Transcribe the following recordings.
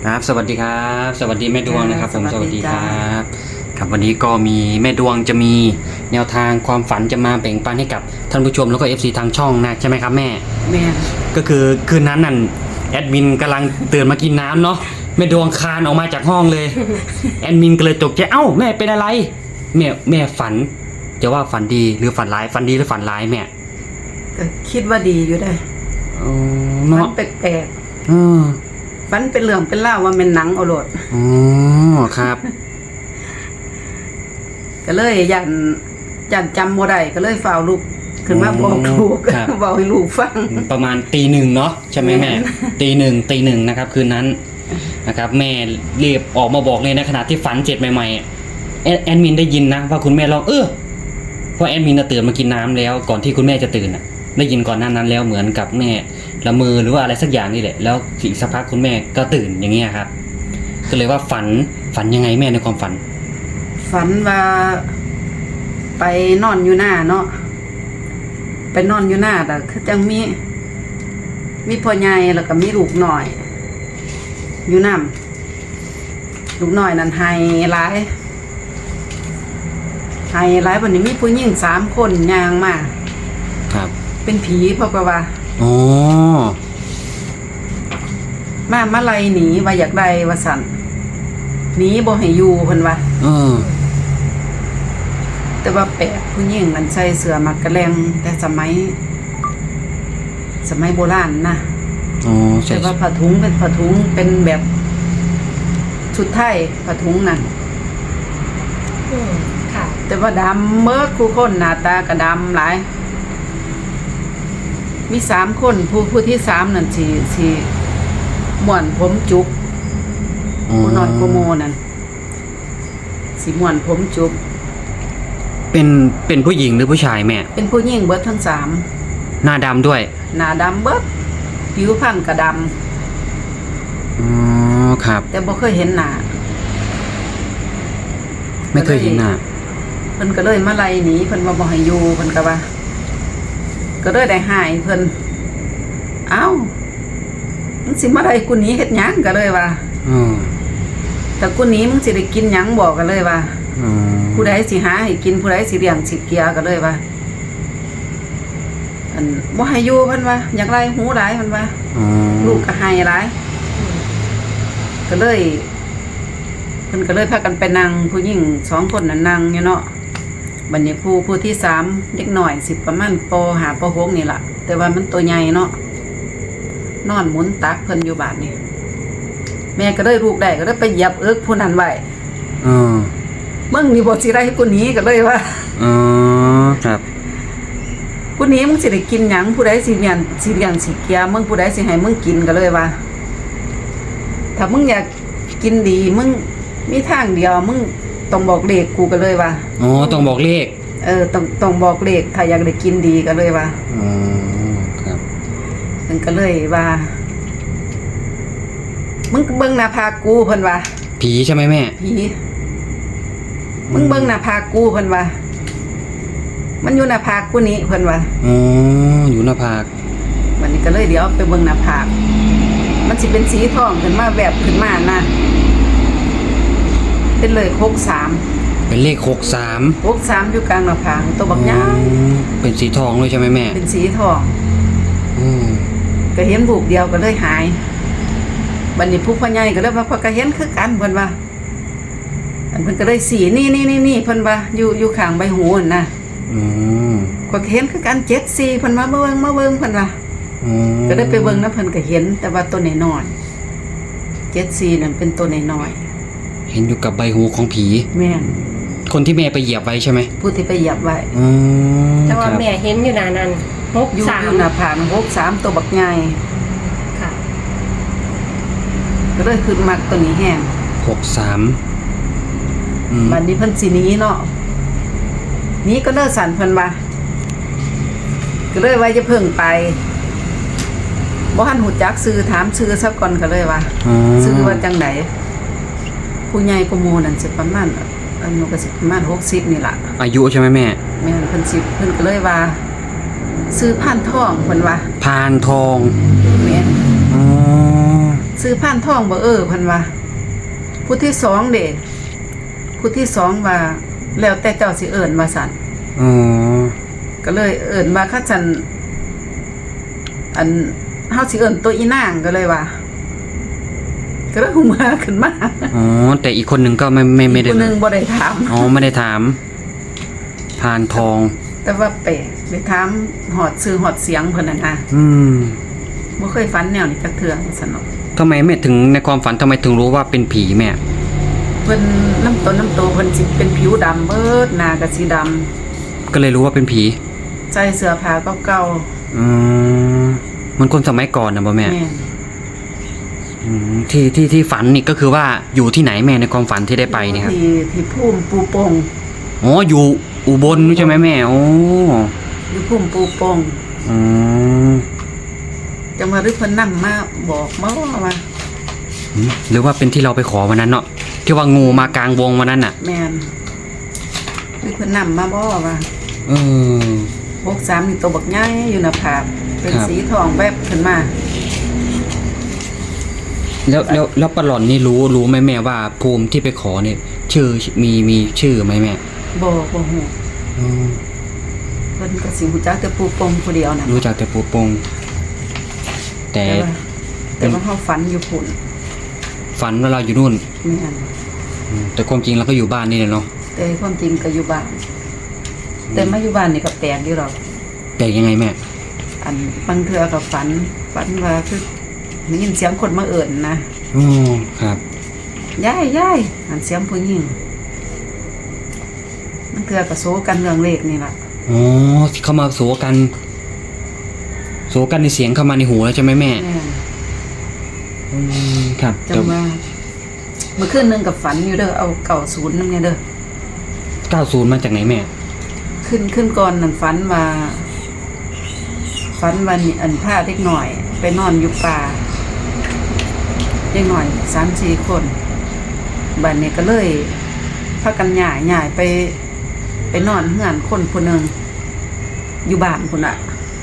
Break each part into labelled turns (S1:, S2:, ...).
S1: ครับสวัสดีครับสวัสดีแม่ดวงนะครับผม
S2: ส
S1: ส
S2: วั
S1: วั
S2: ส
S1: ส
S2: ดี
S1: ดีค
S2: จ้า
S1: รับครับวันนี้ก็มีแม่ดวงจะมีแนวทางความฝันจะมาแบ่งปันให้กับท่านผู้ชมแล้วก็ FC ทางช่องนะใช่ไหมครับแม่
S2: แม่น
S1: ก็คือคืนนั้นนั่นแอดมินกำลังตื่นมากินน้ำเนาะแม่ดวงคลานออกมาจากห้องเลย แอดมินก็เลยตกใจเอ้าแม่เป็นอะไรแม่ฝันจะว่าฝันดีหรือฝันร้ายฝันดีหรือฝันร้ายแม่
S2: ก็คิดว่าดีอยู่ได้
S1: อ๋อ
S2: ฝั
S1: เนาะ
S2: นแปลก
S1: เออ
S2: ๆฝันเป็นเรื่องเป็นเล่าวว่าเป็นหนังเอาโลด
S1: อ๋อครับ
S2: ก็เลยยันจำบ่ได้ก็เลยฝ่าวลูกขึ้นมาบอกลูก
S1: ครับ
S2: บอกให้ลูกฟัง
S1: ประมาณตีหนึ่งเนาะใช่ไหมแม่
S2: แม่
S1: ตีหนึ่งนะครับคืนนั้นนะครับแม่รีบออกมาบอกเลยในขณะที่ฝันเจ็ดใหม่ๆแอดมินได้ยินนะว่าคุณแม่ร้องเพราะแอดมินตื่นมากินน้ำแล้วก่อนที่คุณแม่จะตื่นได้ยินก่อนหน้านั้นแล้วเหมือนกับแม่ละเมอหรือว่าอะไรสักอย่างนี่แหละแล้วอีกสักพักคุณแม่ก็ตื่นอย่างเงี้ยครับก็เลยว่าฝันยังไงแม่ในความฝัน
S2: ฝันว่าไปนอนอยู่หน้าเนาะไปนอนอยู่หน้าแต่คือจังมีพ่อใหญ่แล้วก็มีลูกหน่อย อยู่นำลูกหน่อยนั่นไห้หลายวันนี้มีผู้หญิง3 คนย่างมา
S1: ครับ
S2: เป็นผีเพราะว่า
S1: อ๋อ
S2: มาไล่หนีว่าอยากได้ว่าสั่นหนีบ่ให้อยู่เพิ่นว่า
S1: เออ
S2: แต่ว่าแปลกผู้หญิงมันใส่เสื้อมักกะแรงแต่สมัยโบราณนะ
S1: อ๋อใช่
S2: แต่ว่าผ้าถุงเป็นผ้าถุงเป็นแบบชุดไทยผ้าถุงนั่น
S3: ค่ะ
S2: แต่ว่าดำเมิดคู่คนหน้าตาก็ดำหลายมี3 คนผู้ที่3นั่นสิม่วนผมจุก ผู้นอนโกโมนั่นสิม่วนผมจุก
S1: เป็นผู้หญิงหรือผู้ชายแม่
S2: เป็นผู้หญิงเบิดทั้ง
S1: หน้าดำด้วย
S2: 3หน้าดำเบิดผิวพรรณก็ด
S1: อ๋อครับ
S2: ำแต่บ่เคยเห็นหน้า
S1: ไม่เคยเห็นหน้า
S2: เพิ่นก็เลยมาไล่หนีเพิ่นว่าบ่ให้อยู่เพิ่นก็ว่า ก็เลยได้หายเพิ่นเอ้ามึงสิมาไล่กูหนีเฮ็ดหยังก็เลยว่า
S1: อ๋อ
S2: แต่กูหนีมึงสิได้กินหยังบอกกันเลยว่า
S1: อ๋อ
S2: ผู้ใดสิหาให้กินผู้ใดสิเลี้ยงสิเกียก็เลยว่าอันบ่ให้อยู่เพิ่นว่าอยากไล่หูหลายเพิ่นว่า
S1: อ๋อ
S2: ลูกก็ให้หลายก็เลยเพิ่นก็เลยพากันไปนั่งผู้หญิง2 คนน่ะนั่งอยู่เนาะบัดนี้ผู้ที่3เด็กน้อยสิประมาณป .5 ป .6 นี่ล่ะแต่ว่ามันตัวใหญ่เนาะนอนหมุนตักเพิ่นอยู่บาดนี้แม่ก็เลยลูกได้ก็เลยไปเหยียบเอิกผู้นั้นไว้
S1: อ๋อ
S2: มึงนี่บ่สิได้กูหนีก็เลยว่า
S1: อ๋อครับ
S2: กูหนีมึงสิได้กินหยังผู้ใดสิเลี้ยงสิเกียมึงผู้ใดสิให้มึงกินก็เลยว่า ถ้ามึงอยากกินดีมึงมีทางเดียวมึงต้องบอกเลขกูก็เลยว่า
S1: อ๋อต้องบอกเลข
S2: ต้องบอกเลขถ้าอยากได้กินดีก็เลยว่า
S1: อ๋อครับ
S2: มันก็เลยว่า มึงเบิ่งหน้าผากกูเพิ่นว่า
S1: ผีใช่ไหมแม่
S2: ผีมึงเบิ่งหน้าผากกูเพิ่นว่า มันอยู่หน้าผากกูนี่เพิ่นว่า
S1: อ๋ออยู่หน้าผาก
S2: วันนี้ก็เลยเดี๋ยวไปเบิ่งหน้าผากมันสิเป็นสีทองขึ้นมาแบบขึ้นมานะเป็นเลย63
S1: เป็นเลข63
S2: อยู่กลางหน้าผากตัวบักยาว
S1: เป็นสีทองเลยใช่ไหมแม่
S2: เป็นสีทอง
S1: อืม
S2: ก็เห็นรูปเดียวก็เลยหายบัดนี้ผู้พ่อใหญ่ก็เลยว่าพ่อก็เห็นคือกันเพิ่นว่าอันเพิ่นก็เลยสีนี่เพิ่นว่าอยู่ข้างใบหูนั่นนะ
S1: อืม
S2: ก็เห็นคือกัน74เพิ่นว่ามาเบิ่งเพิ่นว่า
S1: อ๋อ
S2: ก็ได้ไปเบิ่งนะเพิ่นก็เห็นแต่ว่าตัวน้อยๆ74นั่นเป็นตัวน้อย
S1: เห็นอยู่กับใบหูของผี
S2: ๆแม่น
S1: คนที่แม่ไปเหยียบไว้ใช่ไหม
S2: ผู้ที่ไปเหยียบไว้
S1: อ๋อ
S3: แต่ว่า
S1: ครับ
S3: แม่เห็นอยู่นานนั้น
S2: อยู่
S3: 63
S2: หน้าผาก63ตัวบักใหญ่
S3: ค่ะ
S2: ก็เลยขึ้นมักตัวนี้แห้ง
S1: 63อืม
S2: บัดนี้เพิ่นสิหนีเนาะหนีก็เลิกสั่นเพิ่นว่าก็เลยว่าจะเพิ่งไปบ่ทันหูจักชื่อถามชื่อซะก่อนก็เลยว่า
S1: อ๋อ
S2: ชื่อว่าจังไดผู้ใหญ่กว่าหมู่นั่นสิประมาณอันนู้นก็สิประมาณ60นี่ล่ะ
S1: อายุใช่ไหมแม่
S2: แม่นเพิ่นก็เลยว่าซื้อผ่านทองเพิ่นว่า
S1: พานทอง
S2: แม่น
S1: อ๋อ
S2: ซื้อผ่านทองบ่เพิ่นว่าผู้ที่สองเด้ผู้ที่สองว่าแล้วแต่เจ้าสิเอิ้นว่าซั่น
S1: อ๋อ
S2: ก็เลยเอิ้นว่าคัจันอันเฮาสิเอิ้นตัวอีนางก็เลยว่าก็เลยหูมาขึ้นมา
S1: อ๋อแต่อีกคนหนึ่งก็ไม่ได้
S2: คนหนึงบ่ได้ถาม
S1: อ๋อไม่ได้ถามพานทอง
S2: แต่ว่าแปลกไปถามหอดชื่อหอดเสียงเพิ่นน่ะนะ
S1: อืม
S2: บ่เคยฝันแนวนี้จักเทื่อซั่นเนาะ
S1: ทำไมแม่ถึงในความฝันทำไมถึงรู้ว่าเป็นผีแม่
S2: เพิ่นน้ำต้นน้ำโตเพิ่นสิเป็นผิวดำเบิดหน้าก็สีดำ
S1: ก็เลยรู้ว่าเป็นผี
S2: ใส่เสื้อผ้าเก่า
S1: อืมมันคนสมัยก่อนนะบ่
S2: ๆ
S1: แม่
S2: แม่น
S1: อืมที่ฝันนี่ก็คือว่าอยู่ที่ไหนแม่ในความฝันที่ได้ไปเนี่ยครับ
S2: ที่ภูมิปูปง
S1: อ๋ออยู่อุบลใช่ไหมแม่โอ้
S2: อยู่ภูมิปูปง
S1: อืม
S2: จังว่าหรือเพิ่นนำมาบอกมาว่า
S1: หรือว่าเป็นที่เราไปขอวันนั้นเนาะที่ว่างูมากลางวงวันนั้นน่ะ
S2: แม่นหรือเพิ่นนำมาบ่ว่า
S1: เออ
S2: 63นี่ตัวบักใหญ่อยู่หน้าผากเป็น
S1: ครับ
S2: สีทองแวบขึ้นมา
S1: แล้วปลาหล่อนนี่รู้ไหมแม่ว่าภูมิที่ไปขอเนี่ยชื่อมีชื่อไหมแม่
S2: บ่ฮู้
S1: อืม
S2: เพิ่นก็สิฮู้จักแต่ปูปงผู้เดียวน่ะ
S1: รู้จักแต่ปูปงแต่
S2: แต่ว่าเฮาฝันอยู่พุ่น
S1: ฝันว่าเราอยู่นู่น
S2: แม่น
S1: แต่ความจริงเราก็อยู่บ้านนี่แหละเนาะ
S2: แต่ความจริงก็อยู่บ้านแต่มาอยู่บ้านนี่ก็แปลกอยู่หรอก
S1: แต่ยังไงแม่
S2: อันบางเทื่อก็ฝันว่าคือได้ยินเสียงคนมาเอิ้นนะ
S1: อ๋อครับ
S2: ยายอันเสียงผู้หญิงบางเทื่อก็โซกันเรื่องเลขนี่ล่ะ
S1: อ๋อเข้ามาโสกันในเสียงเข้ามาในหูแล้วใช่ไหมแม่
S2: แม่น
S1: อืมครับ
S2: จังว่าเมื่อคืนนึงกับฝันอยู่เด้อเอา90นำเนี่ยเด้อ
S1: 90มาจากไหนแม่
S2: ขึ้นก่อนนั่นฝันว่านี่อันพาเด็กหน่อย ไปนอนอยู่ป่าเด็กหน่อย 3-4 คนบัดนี้ก็เลยพากันย้ายไปนอนเฮือนคนผู้หนึงอยู่บ้านพุ่นน่ะ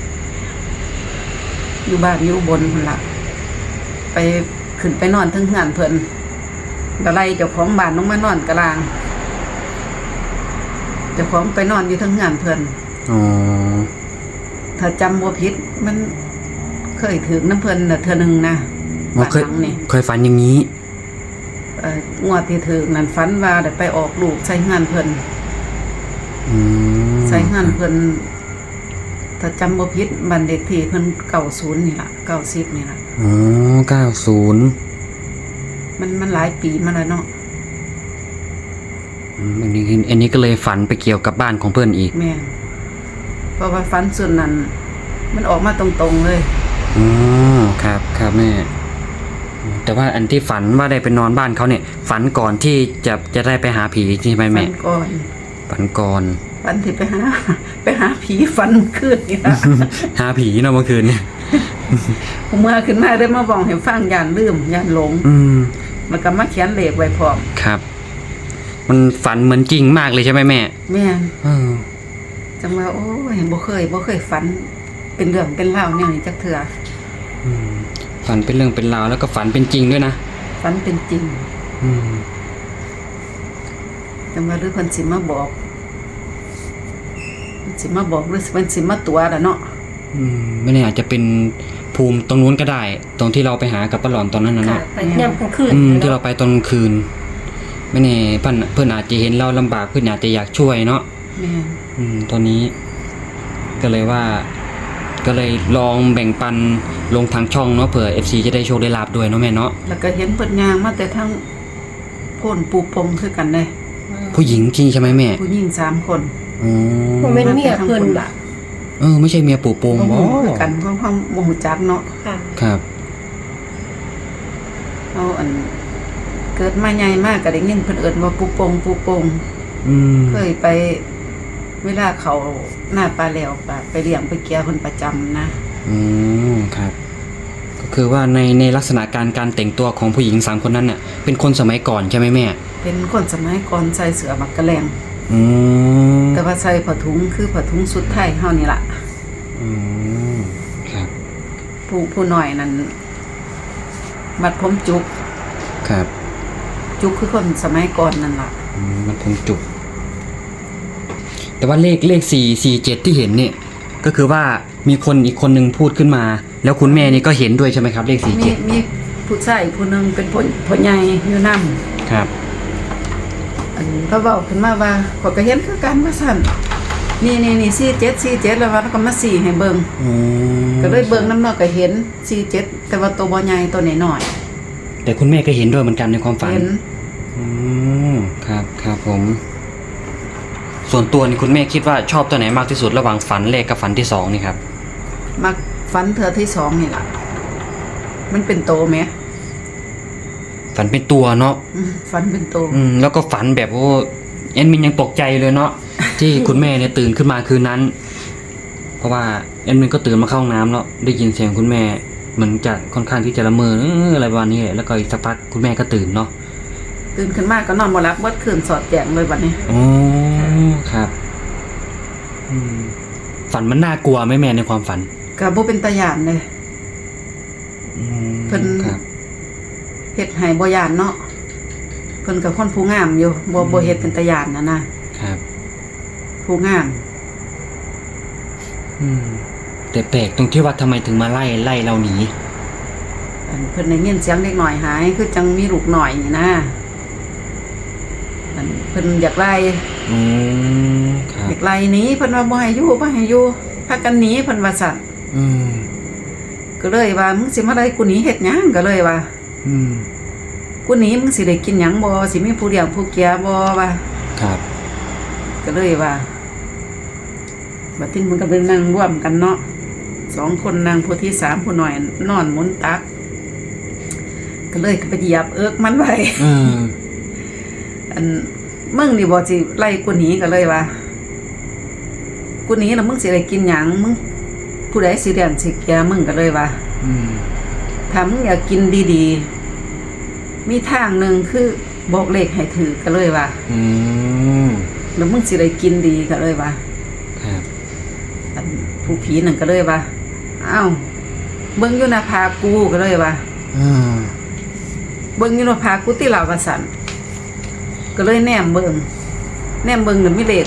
S2: อยู่บ้านอยู่อุบนพุ่นล่ะไปขึ้นไปนอนเทึงเฮือนเพิ่นก็ไล่เจ้าของบ้านลงมานอนกลางเจ้าของไปนอนอยู่เทึงเฮือนเพิ่น
S1: อ๋อ
S2: ถ้าจำบ่ผิดมันเคยถึงน้ำเพิ่นน่ะเทื่อนึงนะ
S1: อ๋อ
S2: บ้านหลังนี่
S1: เคยฝันอย่างนี้
S2: งวดที่ถึงนั่นฝันว่าได้ไปออกลูกใส่เฮือนเพิ่น
S1: อืม
S2: ใส่เฮือนเพิ่นถ้าจำบ่ผิดบันเด็กที่เพิ่น90นี่ล่ะ90นี่ล่ะ
S1: อ๋อ90
S2: มันหลายปีมาแล้วเนาะ
S1: อันนี้ก็เลยฝันไปเกี่ยวกับบ้านของเพื่อนอีก
S2: แม่นเพราะว่าฝันส่วนนั้นมันออกมาตรงๆเลย
S1: อ๋อครับแม่ แต่ว่าอันที่ฝันว่าได้ไปนอนบ้านเขาเนี่ย ฝันก่อนที่จะได้ไปหาผีใช่ไหม
S2: ฝั
S1: แม่
S2: นก่อน
S1: ฝันก่อน
S2: ฝันที่ไปหาผีฝันคืนนี่ล่ะ
S1: หาผีเนาะเมื่อคืนเนี่ย
S2: ผมเมื่อขึ้นมาได้มาบอกให้ฟังย่านลืมย่านหลง
S1: อืม
S2: แล้วก็มาเขียนเลขไว้พร้อม
S1: ครับ มันฝันเหมือนจริงมากเลยใช่ไหมแม่
S2: แม่น
S1: เออ
S2: จังว่าโอ้ยบ่เคยฝันเป็นเรื่องเป็นราวแนวนี้จักเทื่อ
S1: ฝันเป็นเรื่องเป็นราวแล้วก็ฝันเป็นจริงด้วยนะ
S2: ฝันเป็นจริง
S1: อืม
S2: จังว่าหรือเพิ่นสิมาบอกหรือเพิ่นสิมาตัวล่ะเนาะ
S1: ไม่แน่อาจจะเป็นภูมิตรงนู้นก็ได้ ตรงที่เราไปหากับป้าหลอนตอนนั้นนะ
S3: ค่ะ
S1: เนาะ
S3: ไปย่ำกลางคืน
S1: ที่เราไปตอนกลางคืน ไม่แน่เพื่อนอาจจะเห็นเราลำบากเพื่อนอาจจะอยากช่วยเนาะ
S2: แม่น
S1: ตอนนี้ ก็เลยลองแบ่งปันลงทางช่องเนาะเผื่อ FC จะได้โชคได้ลาบด้วยเนาะแม่เนาะ
S2: แล้วก็เห็นเพิ่นย่างมาแต่ทั้งโพ่นปูปงคือกันเด้
S1: ผู้หญิงจริงใช่ไหมแม่
S2: ผู้หญิง3คน
S1: อ๋อ
S3: ผมเป็นเมียเพิ่น
S2: มาแต่ทั้ง
S3: ล่ะ
S1: ไม่ใช่เมียปู่โปง
S2: บ่
S1: บ่
S2: ฮู้คือกันเพราะความบ่ฮู้จักเนาะ
S3: ค่ะ
S1: ครับ
S2: เอาอันเกิดมาใหญ่มากก็ได้ยินเพิ่นเอิ้นว่าปูปง
S1: อืม
S2: เคยไปเวลาเขาหน้าปลาแล้วไปเลี้ยงไปเกี่ยวเพิ่นประจำนะ
S1: ครับ ก็คือว่าในลักษณะการแต่งตัวของผู้หญิง3คนนั้นเนี่ยเป็นคนสมัยก่อนใช่ไหมแม่
S2: เป็นคนสมัยก่อนใส่เสื้อบักกะแลง
S1: อืม
S2: แต่ว่าใส่ผ้าถุงคือผ้าถุงสุดไทยเฮานี่ล่ะ
S1: อืมครับ
S2: ผู้น้อยนั้นบัดผมจุก
S1: ครับ
S2: จุกคือคนสมัยก่อนนั่นล่ะ
S1: มันคงจุก แต่ว่าเลข447ที่เห็นเนี่ยก็คือว่ามีคนอีกคนนึงพูดขึ้นมา แล้วคุณแม่นี่ก็เห็นด้วยใช่ไหมครับเลข
S2: มีผู้ชายผู้หนึงเป็นพ่อใหญ่อยู่นำ
S1: 47ครับ
S2: อันเขาเว้าขึ้นมาว่าข้อยก็เห็นคือกันว่าซั่นนี่47แล้วว่าแล้วก็มา4ให้เบิ่ง
S1: อ๋อ
S2: ก็เลยเบิ่งน้ำเนาะก็เห็น47แต่ว่าตัวบ่ใหญ่ตัวน้อย
S1: แต่คุณแม่ก็เห็นด้วยเหมือนกันในความฝัน
S2: เห็น
S1: อืมครับครับผม ส่วนตัวนี่คุณแม่คิดว่าชอบตัวไหนมากที่สุดระหว่างฝันแรกกับฝันที่สองนี่ครับ
S2: มักฝันเทื่อที่2นี่ล่ะมันเป็นโตแหม
S1: ฝันเป็นตัวเนาะ
S2: ฝันเป็นโต
S1: แล้วก็ฝันแบบโอ้แอดมินยังตกใจเลยเนาะ ที่คุณแม่เนี่ยตื่นขึ้นมาคืนนั้น เพราะว่าแอดมินก็ตื่นมาเข้าห้องน้ำแล้วได้ยินเสียงคุณแม่เหมือนจะค่อนข้างที่จะละเมออะไรประมาณนี้แหละแล้วก็อีกสักพักคุณแม่ก็ตื่นเนาะ
S2: ตื่นขึ้นมาก็นอนบ่หลับเบิดคืนสอดแจงเลยบัดนี้
S1: อ๋อครับฝันมันน่ากลัวไหมแม่ในความฝัน
S2: ก็บ่เป็นตาย่านเลย เพิ่น
S1: ครับ
S2: เฮ็ดให้บ่ย่านเนาะเพิ่นก็คนผู้งามอยู่บ่เฮ็ดเป็นตาย่านนะครับ ผู้งาม
S1: แต่แปลกตรงที่ว่าทำไมถึงมาไล่เราหนี
S2: อันเพิ่นได้ยินเสียงเด็กน้อยหายคือจังมีลูกน้อยนี่นะอันเพิ่นอยากไล่
S1: ครับ
S2: อยากไล่หนีเพิ่นว่าบ่ให้อยู่พากันหนีเพิ่นว่าซั่นก็เลยว่ามึงสิมาไล่กูหนีเฮ็ดหยังก็เลยว่ากูหนีมึงสิได้กินหยังบ่สิมีผู้เลี้ยงผู้เกียบ่ว่า
S1: ครับ
S2: ก็เลยว่าบัดนี้มันก็เป็นนั่งร่วมกันเนาะ2คนนั่งผู้ที่3ผู้น้อยนอนหมุนตัก ก็เลยไปเหยียบเอิกมันไว้ อันมึงนี่บ่สิไล่กูหนีก็เลยว่ากูหนีแล้วมึงสิได้กินหยังมึงผู้ใดสิเลี้ยงสิเกียมึงก็เลยว่าถ้ามึงอยากกินดีๆมีทางหนึงคือบอกเลขให้ถือก็เลยว่าแล้วมึงสิได้กินดีก็เลยว่า
S1: ครับ
S2: อันผู้ผีนั่นก็เลยว่าอ้าวเบิ่งอยู่หน้าผากกูก็เลยว่าเบิ่งอยู่หน้าผากกูติลาวาสันก็เลยแนมเบิ่งน่ะมีเลข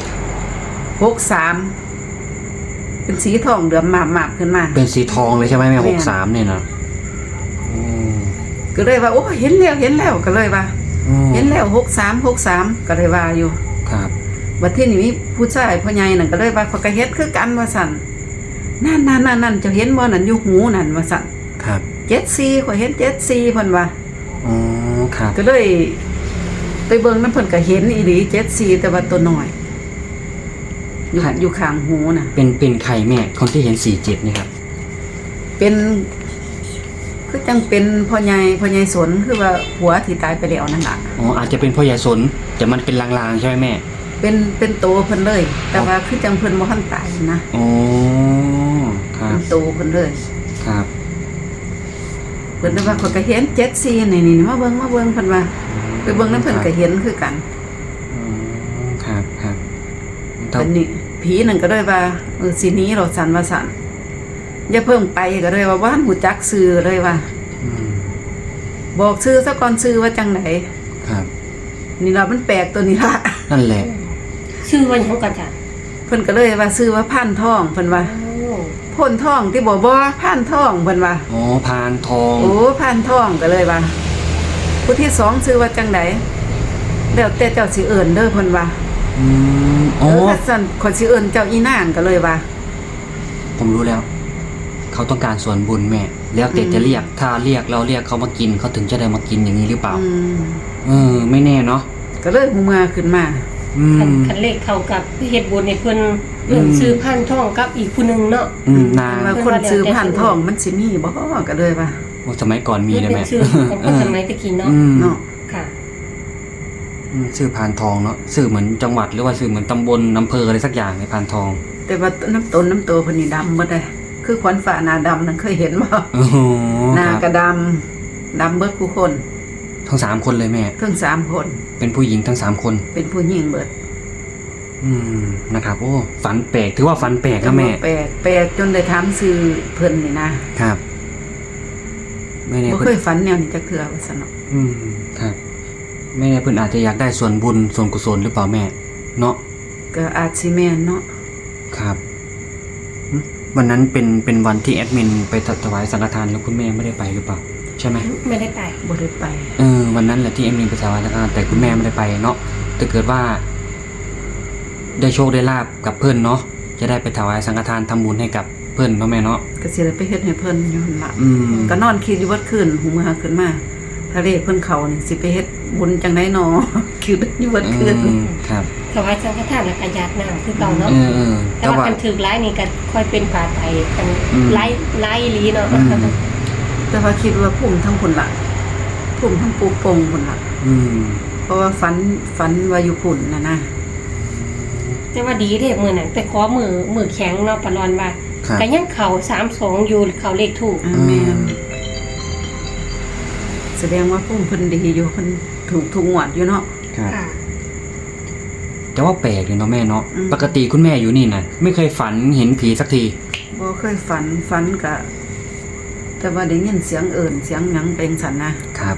S2: 63เป็นสีทองเหลือมมาบๆขึ้นมา
S1: เป็นสีทองเลยใช่ไหมแม่
S2: แม่น
S1: 63เนี่ยนะ
S2: ก็เลยว่าโอ้เห็นแล้วก็เลยว่าเห็นแล้ว63ก็เลยว่าอยู่
S1: ครับ
S2: บัดทีนี้มีผู้ชายพ่อใหญ่นั่นก็เลยว่าเขาก็เฮ็ดคือกันว่าซั่นนั่นเจ้าเห็นบ่นั่นอยู่หูนั่นว่าซั่น
S1: ครับ
S2: 74ข่อยเห็น74เพิ่นว่า
S1: อ๋อครับ
S2: ก็เลยไปเบิ่งนำเพิ่นก็เห็นอีหลี74แต่ว่าตัวน้อยอยู่ข้างหูน่ะ
S1: เป็นใครแม่คนที่เห็น47นี่ครับ
S2: เป็นคือจังเป็นพ่อใหญ่สนคือว่าผัวที่ตายไปแล้วนั่นล่ะ
S1: อ๋ออาจจะเป็นพ่อใหญ่สนแต่มันเป็นลางๆใช่ไหมแม่
S2: เป็นโตเพิ่นเลย แต่ว่าคือจังเพิ่นบ่ทันตายนะ
S1: อ๋อครับ
S2: เป็นโตเพิ่นเลย
S1: ครับ
S2: เพิ่นเลยว่าเขาก็เห็น74นี่มาเบิ่งเพิ่นว่าไปเบิ่งนำเพิ่นก็เห็นคือกัน
S1: อ๋อครับครับ
S2: เพิ่นนี่ผีนั่นก็เลยว่าสิหนีเราสั่นว่าสั่นอย่าเพิ่งไปก็เลยว่าหูจักชื่อเลยว่า บอกชื่อซะก่อนชื่อว่าจังได
S1: ครับ
S2: นี่ล่ะมันแปลกตัวนี้ล่ะ
S1: นั่นแหละ
S3: ชื่อวันของกันจ้ะ
S2: เพิ่นก็เลยว่าชื่อว่าพานทองเพิ่นว่าพ่นทองที่บ่พานทองเพิ่นว่า
S1: อ๋อพานทอง
S2: โอ้พานทองก็เลยว่าผู้ที่สองชื่อว่าจังไดแล้วแต่เจ้าสิเอิ้นเด้อเพิ่นว่า
S1: อ๋อ
S2: ถ้าซั่นขอยสิเอิ้นเจ้าอีนางก็เลยว่า
S1: ผมรู้แล้ว เขาต้องการส่วนบุญแม่ แล้วแต่จะเรียกถ้าเรียกเราเรียกเขามากินเขาถึงจะได้มากินอย่างนี้หรือเปล่าไม่แน่เนาะ
S2: ก็เลยหูมาขึ้นมา
S3: คันเลขเข้ากับเฮ็ดบุญในเพิ่นซื้อพันท่องกับอีกผู้หนึงเนาะ
S1: นาง
S2: ว่าคนซื้อผ่านทองมันสิมีบ่ก็เลยว่า
S1: สมัยก่อนมีเลย
S3: เป็
S1: แม่
S3: นชื่อของคนสมัยตะกี้เนาะ
S2: เนาะ
S3: ค่ะ
S1: ชื่อพานทองเนาะชื่อเหมือนจังหวัดหรือว่าชื่อเหมือนตำบลอำเภออะไรสักอย่างในพานทอง
S2: แต่ว่าน้ำโตเพิ่นนี่ดำหมดเลยคือขวัญฝ่าหน้าดำนั่นเคยเห็นบ่
S1: อ๋อ
S2: หน้า
S1: ครับ
S2: ก็ดำเบิดผู้คน
S1: ทั้ง3คนเลยแม่
S2: ทั้ง3คน
S1: เป็นผู้หญิงทั้ง3คน
S2: เป็นผู้หญิงเบิด
S1: นะครับโอ้ฝันแปลกถือว่าฝันแปลกนะแม่
S2: แปลกจนได้ถามชื่อเพิ่นนี่นะครับ
S1: ไม่แน่
S2: บ่
S1: เพิ่
S2: เค
S1: น
S2: ยฝันแนวนี้จักเทื่อว่าซั่นเนาะ
S1: ครับไม่แน่เพิ่นอาจจะอยากได้ส่วนบุญส่วนกุศลหรือเปล่าแม่เนาะ
S2: ก็อาจสิแม่นเนาะ
S1: ครับวันนั้นเป็นวันที่แอดมินไปถวายสังฆทานแล้วคุณแม่ไม่ได้ไปหรือเปล่าใช่ไหม
S3: ไม่ได้ไป
S2: บ่ได้ไป
S1: วันนั้นแหละที่แอดมินไปถวายสังฆทานแต่คุณแม่ไม่ได้ไปเนาะถ้าเกิดว่า ได้โชคได้ลาบกับเพื่อนเนาะจะได้ไปถวายสังฆทานทำบุญให้กับเพื่อนเนาะแม่เนาะ
S2: ก็สิได้ไปเฮ็ดให้เพิ่นอยู่หั่นล่ะ
S1: ม
S2: ก็นอนคิดอยู่ว่าคืนหูเมื่อขึ้นมาถ้าเลขเพิ่นเข้านี่สิไปเฮ็ดบุญจังได๋น้อ คิดอยู่ว่าคืน
S1: ครับ
S3: ถวายสังฆทานและกระยาดน้ำคือเก่าเนาะ แต่
S1: แต่
S3: ว่า
S1: ว่า
S3: กันถือร้ายนี่ก็ค่อยเป็นผ่าไปกัน
S1: อืม
S3: ไล่ลีเนาะ
S2: แต่ว่าคิดว่าพุ่มทั้งพุ่นล่ะพุ่มทั้งปูโป่งพุ่นล่ะ
S1: อืม
S2: เพราะว่าฝันว่าอยู่พุ่นน่ะนะ
S3: แต่ว่าดีเด้มื้อนั้นไปขอมือแข็งเนาะปะรอนว่า
S1: ครับ
S3: ก็ยังเข้า32อยู่เข้าเลขถูก
S2: แม่นแสดงว่าพุ่มเพิ่นดีอยู่เพิ่นถูกทุกงวดอยู่เนาะ
S1: ครับ
S3: ค่ะ
S1: แต่ว่าแปลกเลยเนาะแม่เนาะ
S2: อืม
S1: ปกติคุณแม่อยู่นี่นะไม่เคยฝันเห็นผีสักที
S2: บ่เคยฝันก็แต่ว่าได้ยินเสียงเอิ้นเสียงหยังเป็นสั่นนะครับ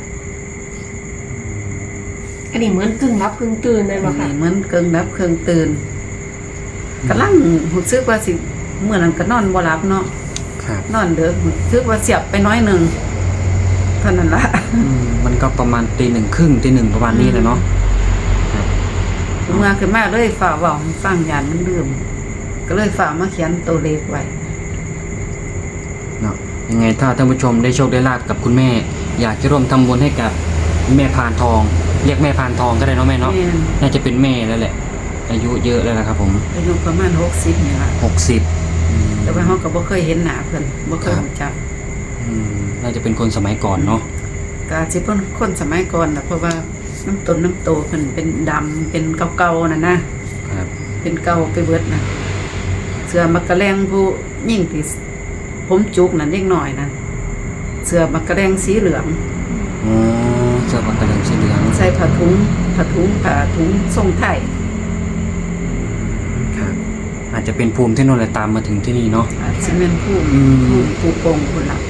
S3: อันนี้เหมือนกึ่งรับกึ่งตื่นเลยบ่ค่ะ
S2: นี่เหมือนเกิงรับเครื่องตื่นกำลังรู้สึกว่าสิเมื่อนั้นก็นอนบ่หลับเนาะ
S1: ครับ
S2: นอนเด้อรู้สึกว่าเสียบไปน้อยหนึงเท่านั้นล่ะ
S1: มันก็ประมาณตี 1:30 ตี 1ประมาณนี้แหละเนาะครับ
S2: เมื่อขึ้นมาเลยฝ่าเว้าให้ฟังยานมันลืมก็เลยฝ่ามาเขียนตัวเลขไว้
S1: เนาะยังไงถ้าท่านผู้ชมได้โชคได้ลาบกับคุณแม่ อยากจะร่วมทำบุญให้กับแม่พานทอง เรียกแม่พานทองก็ได้เนาะแม่เนาะ
S2: แม่น
S1: น่าจะเป็นแม่แล้วแหละ อายุเยอะแล้วนะครับผม
S2: อายุประมาณ60นี่ล่ะ
S1: 60
S2: แต่ว่าเฮาก็บ่เคยเห็นหน้าเพิ่นบ่เคย
S1: ครับ
S2: รู้จัก
S1: น่าจะเป็นคนสมัยก่อนเนาะ
S2: ก็อาจสิเพิ่นคนสมัยก่อนน่ะเพราะว่าน้ำต้นน้ำโตเพิ่นเป็นดำเป็นเก่าๆน่ะนะครับ เป็นเก่าไปเบิดน่ะเสือมักกะแรงผู้ยิ่งที่ผมจุกนั่นเล็กน้อยนั่นเสือมักกะแรงสีเหลือง
S1: อ๋อเสื้อปากกระเหลืองสีเหลือง
S2: ใส่ผ้าถุงทรงไทย
S1: ครับ อาจจะเป็นภูมิที่โน่นเลยตามมาถึงที่นี่เนาะ
S2: อาจสิแม่นผู้
S1: อืม
S2: ผู้โป่งพุ่นล่ะ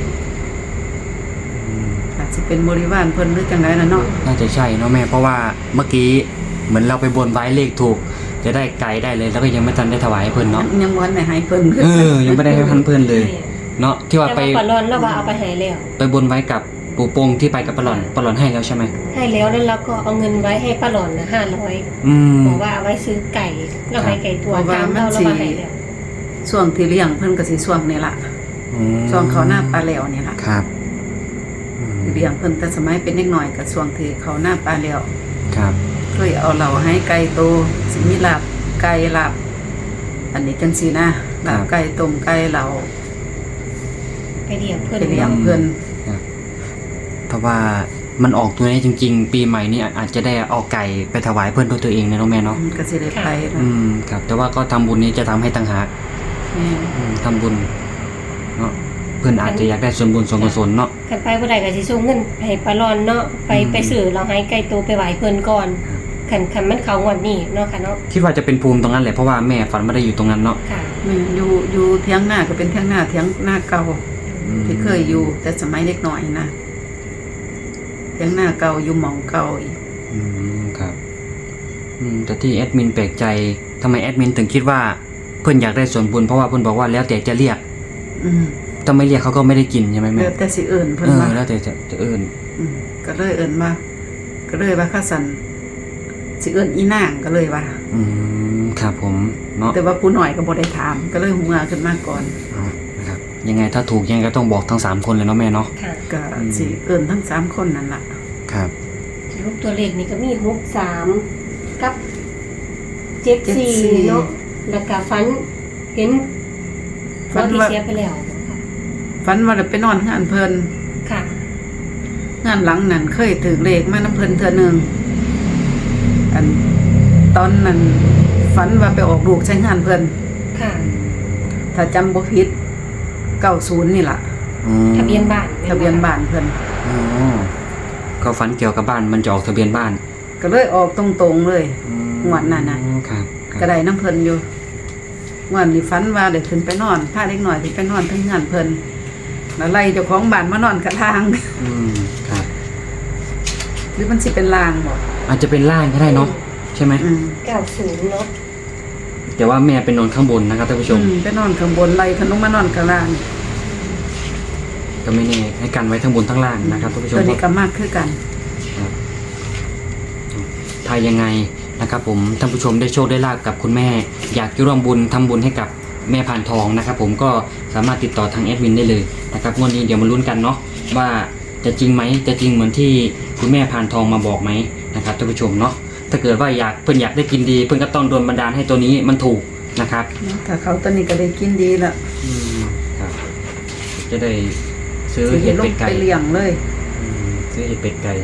S2: อาจสิเป็นบริวารเพิ่นหรือจังไดน่ะเนาะ
S1: น่าจะใช่เนาะแม่เพราะว่าเมื่อกี้เหมือนเราไปบนไว้เลขถูก จะได้ไก่ได้เลย แล้วก็ยังไม่ทันได้ถวายให้เพิ่นเนาะ
S2: ยังบ่ทันได้ให้เพิ่น
S1: ยังไม่ได้ให้พันเพิ่นเลย เนาะที่ว่า
S3: แต่
S1: ไป
S3: ว่าปะรอนเราว่าเอาไปให้แล้ว
S1: ไปบนไว้กับปู่โปงที่ไปกับปลาหล่อนให้แล้วใช่ไหม
S3: ให้แล้วแล้วเราก็เอาเงินไว้ให้ป้าหลอนนะ500
S1: อืม
S3: บอกว่าเอาไว้ซื้อไก่เราให้ไก่ตัวตามเราว่าให้แล้ว
S2: ช่วงที่เลี้ยงเพิ่นก็สิช่วงนี้ล่ะ ช่วงเขาหน้าปลาแล้วนี่ล่ะ
S1: ครับ
S2: เลี้ยงเพิ่นแต่สมัยเป็นเด็กน้อยก็ช่วงที่เขาหน้าปลาแล้ว
S1: ครับ
S2: เคยเอาเหล่าให้ไก่โตสิมีลาบไก่ลาบอันนี้จังซี่นะลาบไก่ต้มไก่เหล่า
S3: ไปเลี้ยงเพิ่น
S2: ไปเลี้ยงเพิ่น
S1: ถ้าว่ามันออกตัวนี้จริง ๆ ปีใหม่นี้อาจจะได้เอาไก่ไปถวายเพื่อนด้วยตัวเองนะน้องแม่เนาะ
S2: มันก็สิได้ไปนะ
S1: ครับ แต่ว่าก็ทำบุญนี้จะทำให้ต่างหาก
S2: แม่น
S1: ทำบุญเนาะเพื่อนอาจจะอยากได้ส่วนบุญส่วนกุศลเนาะ
S3: คันไปบ่ได้ก็สิส่งเงินให้ป้าหลอนเนาะไปซื้อเราให้ไก่ตัวไปไหว้เพิ่นก่อนคันมันเข้างวดนี้เนาะค่ะเนาะ
S1: คิดว่าจะเป็นภูมิตรงนั้นแหละเพราะว่าแม่ฝันไม่ได้อยู่ตรงนั้นเนาะ
S3: ค่ะ
S2: แม่นอยู่เถียงหน้าก็เป็นเถียงหน้าเก่าที่เคยอยู่แต่สมัยเด็กน้อยนะเถียงหน้าเก่าอยู่หม่องเก่าอีก
S1: ครับแต่ที่แอดมินแปลกใจทำไมแอดมินถึงคิดว่าเพื่อนอยากได้ส่วนบุญเพราะว่าเพื่อนบอกว่าแล้วแต่จะเรียก
S2: อืม
S1: ถ้าไม่เรียกเขาก็ไม่ได้กินใช่ไหมแม่
S2: แล้วแต่สิเอิ้นเพิ่นว่า
S1: แล้วแต่จะเอิ้น
S2: ก็เลยเอิ้นว่าก็เลยว่าข้าสันสิเอิ้นอีนางก็เลยว่า
S1: ครับผมเนาะ
S2: แต่ว่าผู้หน่อยก็บ่ได้ถามก็เลยหัวขึ้นมาก่อน
S1: นะครับยังไงถ้าถูกยังไงก็ต้องบอกทั้ง3คนเลยเนาะแม่เนาะ
S3: ค่ะ
S2: ก็สิเอิ้นทั้ง3คนนั่นล่ะ
S1: ครับ
S3: รูปตัวเลขนี่ก็มี63กับ74เนาะแล้วก็ฝันเห็นเราที่เสียไปแล้วค่ะ
S2: ฝันว่าได้ไปนอนงานเพิ่น
S3: ค่ะ
S2: งานหลังนั้นเคยถือเลขมาน้ำเพิ่นเทื่อนึงอันตอนนั้นฝันว่าไปออกลูกใช้งานเพิ่น
S3: ค่ะ
S2: ถ้าจำบ่ผิด90นี่ล่ะ
S3: ทะเบียนบ้าน
S2: ทะเบียนบ้านเพิ่น
S1: ก็ฝันเกี่ยวกับบ้านมันจะออกทะเบียนบ้าน
S2: ก็เลยออกตรงๆเลย งวดนั้นน่ะ
S1: ครับ
S2: ก็ได้น้ำเพิ่นอยู่งวดนี้ฝันว่าได้ขึ้นไปนอนพาเด็กน้อยที่ไปนอนถึงงานเพิ่นแล้วไล่เจ้าของบ้านมานอนกับทาง
S1: ครับ
S2: หรือมันสิเป็นลางบ่
S1: อาจจะเป็นล่างก็ได้เนาะใช่ไหม
S3: 90เนาะ
S1: แต่ว่าแม่เป็นนอนข้างบนนะครับท่านผู้ชม
S2: ไปนอนข้างบนไล่ขนมมานอนกับล่าง
S1: ก็ไม่แน่ให้กันไว้ทั้งบนทั้งล่างนะครับท่านผู้ชม
S2: ตัวนี้ก็มากคือกัน
S1: ครับถ้ายังไงนะครับผมท่านผู้ชมได้โชคได้ลาบกับคุณแม่ อยากจะร่วมบุญทำบุญให้กับแม่พานทองนะครับผมก็สามารถติดต่อทางแอดมินได้เลยนะครับงวดนี้เดี๋ยวมาลุ้นกันเนาะว่าจะจริงไหมจะจริงเหมือนที่คุณแม่พานทองมาบอกไหมนะครับท่านผู้ชมเนาะถ้าเกิดว่าเพื่อนอยากได้กินดีเพื่อนก็ต้องโดนบันดาลให้ตัวนี้มันถูกนะครับ
S2: ถ้าเขาตัวนี้ก็ได้กินดีละ
S1: ครับ จะได้ซื้อ
S2: สิ
S1: เห็ด
S2: ล
S1: เป็
S2: ง
S1: ดไก่
S2: ไปเลี้ยงเลย
S1: ซื้อเห็ดเป็ดไก่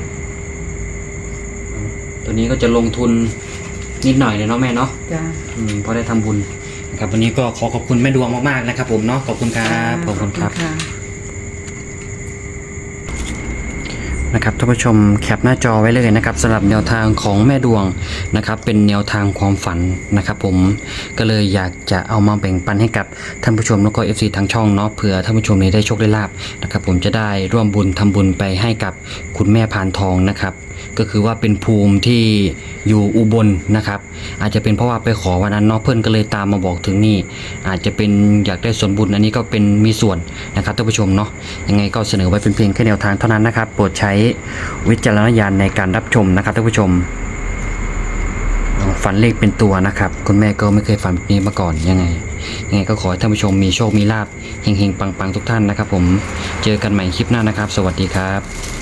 S1: ตัวนี้ก็จะลงทุนนิดหน่อยเลยเนาะแม่เนาะ
S2: จ้า
S1: พอได้ทำบุญนะครับวันนี้ก็ขอบคุณแม่ดวงมากๆนะครับผมเนาะขอบคุณครับขอบคุณครับ
S2: ะ
S1: นะครับท่านผู้ชมแคปหน้าจอไว้เลยนะครับสำหรับแนวทางของแม่ดวงนะครับเป็นแนวทางความฝันนะครับผมก็เลยอยากจะเอามาแบ่งปันให้กับท่านผู้ชมแล้วก็ FC ทางช่องเนาะเผื่อท่านผู้ชมนี้ได้โชคได้ลาบนะครับผมจะได้ร่วมบุญทำบุญไปให้กับคุณแม่พานทองนะครับก็คือว่าเป็นภูมิที่อยู่อุบลนะครับอาจจะเป็นเพราะว่าไปขอวันนั้นเนาะเพื่อนก็เลยตามมาบอกถึงนี่อาจจะเป็นอยากได้ส่วนบุญอันนี้ก็เป็นมีส่วนนะครับท่านผู้ชมเนาะยังไงก็เสนอไว้เป็นเพียงแค่แนวทางเท่านั้นนะครับโปรดใช้วิจารณญาณในการรับชมนะครับท่านผู้ชมฝันเลขเป็นตัวนะครับคุณแม่ก็ไม่เคยฝันแบบนี้มาก่อนยังไงก็ขอให้ท่านผู้ชมมีโชคมีลาภเฮงๆปังๆทุกท่านนะครับผมเจอกันใหม่คลิปหน้านะครับสวัสดีครับ